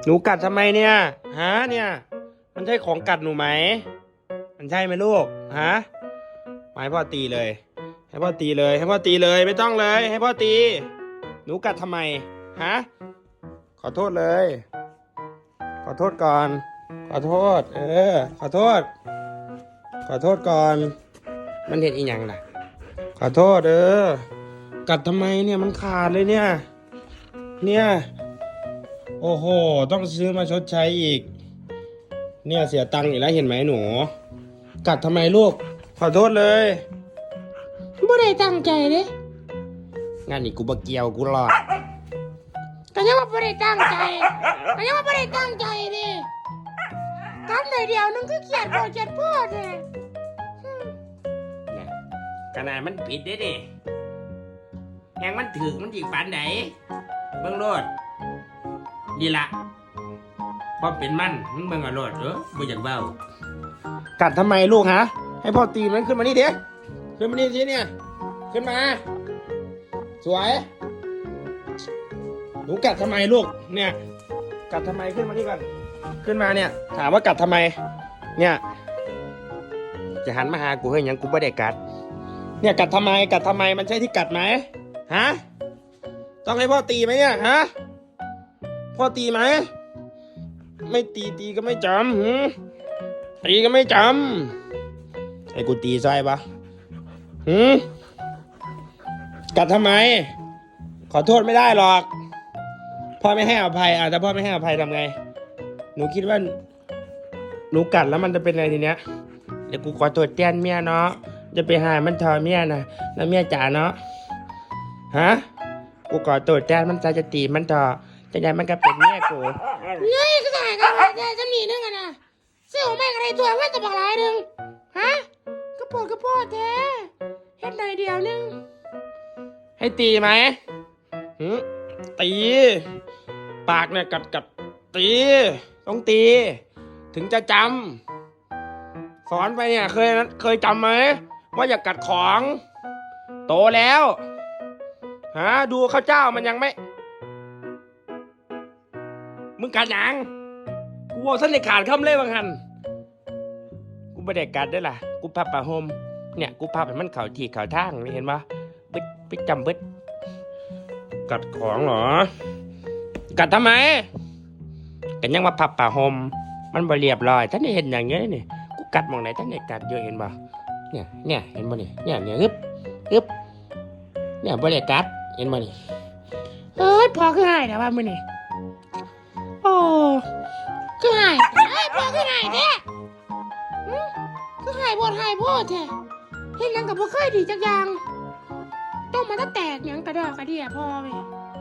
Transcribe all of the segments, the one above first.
หนูกัดทำไมเนี่ยฮะเนี่ยมันใช่ของกัดหนูไหมมันใช่ไหมลูกฮะมาให้พ่อตีเลยให้พ่อตีเลยให้พ่อตีเลยไม่ต้องเลยให้พ่อตีหนูกัดทำไมฮะขอโทษเลยขอโทษก่อนขอโทษขอโทษขอโทษก่อนมันเห็นอีหยังล่ะขอโทษกัดทำไมเนี่ยมันขาดเลยเนี่ยโอ้โหต้องซื้อมาชดใช้อีกเนี่ยเสียตังค์อีกแล้วเห็นไหมหนูกัดทำไมลูกขอโทษเลยบ่ได้ตั้งใจเด้งานนี้กูบ่เกี่ยวกูรอดก็ยังว่าบ่ได้ตั้งใจก็ยังว่าบ่ได้ตั้งใจเด้กันเลยเดียวนึงก็เกลียดพ่อเด้เนี่ยขนาดมันผิดเด้นี่แหงมันถึกมันจีกฝันไหนเบิ่งโลดดีละพอเป็นมันมึงเบิ่งเอาโลดบ่อยากเบ้ากัดทำไมลูกฮะให้พ่อตีมันขึ้นมานี่เดี๋ยวขึ้นมานี่สิเนี่ยขึ้นมาสวยหนูกัดทำไมลูกเนี่ยกัดทำไมขึ้นมานี่ก่อนขึ้นมาเนี่ยถามว่ากัดทำไมเนี่ยจะหันมาหากูเฮ้ยยังกูไม่ได้กัดเนี่ยกัดทำไมมันใช่ที่กัดไหมฮะต้องให้พ่อตีไหมเนี่ยฮะพ่อตีไหมไม่ตีก็ไม่จำตีก็ไม่จำไอ้กูตีใช่ปะกัดทำไมขอโทษไม่ได้หรอกพ่อไม่ให้อภัยแต่พ่อไม่ให้อภัยทำไงหนูคิดว่าหนูกัดแล้วมันจะเป็นไงทีเนี้ยเดี๋ยวกูขอโทษแทนเมียเนาะจะไปหามันทอเมียนะแล้วเมียจ๋าเนาะฮะกูขอโทษแทนมันจะตีมันทอจะได้มันก็เป็นเมียกูเงยก็ได้กันได้จะหนีนึงนะเสี่ยวแม่งอะไรตัวแม่ตะบักหลายนึงฮะกระโปดแท้เฮ็ดเลยเดียวนึงให้ตีไหมตีปากเนี่ยกัดตีต้องตีถึงจะจำสอนไปเนี่ยเคยจำไหมว่าอย่ากัดของโตแล้วดูข้าวเจ้ามันยังไม่มึงกัดยังกูบอกสั้นเลยขาดคำเลยบางหันกูไม่ได้กัดด้วยล่ะกูพับผ้าห่มเนี่ยกูพับให้มันเข่าที่เข่าทางนี่เห็นปะบึดจำบึดกัดของเหรอกัดทำไมกันยังมาพับผ้าห่มมันบ่เรียบร้อยท่านได้เห็นอย่างเงี้ยนี่กูกัดมองไหนท่านได้กัดเยอะเห็นปะเนี่ยเห็นปะเนี่ยฮึบเนี่ยบ่ได้กัดเห็นปะนี่พอคือหายแต่ว่ามื้อนี้โอ้คือหายพอคือหายแท้คือหายบ่หายพ่อแท้เฮ็ดหยังก็บ่เคยดีจักอย่างต้องมาแตกหยังกระดอกกระเดี่ยพ่อเว้ย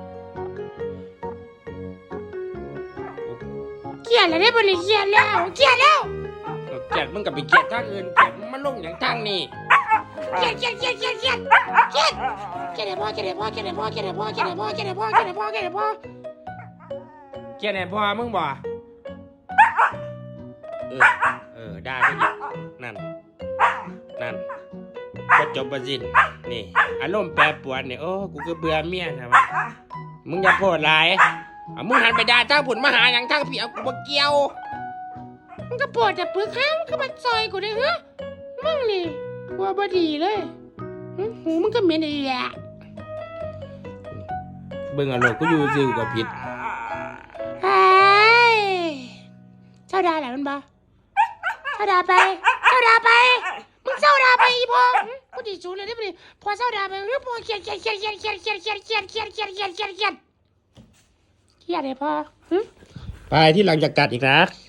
เกลียดแล้วได้บ่นี่เกลียดแล้วเกลียดมึงกับไปเกลียดทางอื่นเกลียดมันลงอย่างทางนี้เกลียดให้พ่อไหนพ่อมึงบ่ได้ไปอีกนั่นก็จบประสิทธิ์นี่อารมณ์แปรปรวนเนี่ยกูก็เบื่อเมียนะวะมึงอย่าโพดหลายมึงหันไปด่าเจ้าผุนมาหาอย่างทางพี่เอากูมาเกี่ยวมึงก็ปวดแต่ปึกข้างมึงก็มาซอยกูได้ฮะมึงนี่กลัวบ่ดีเลยหูมึงก็เหม็นอีแหละเบิ่งอารมณ์กูอยู่ซิวกับผิดเจ้าดาแหละมันบ่เจ้าดาไปมึงเจ้าดาไปอีพ่อกูดีจูเลยได้ปะดิพอเจ้าดาไปหรือพอเขียนเลยพ่อไปที่หลังจากกัดอีกนะ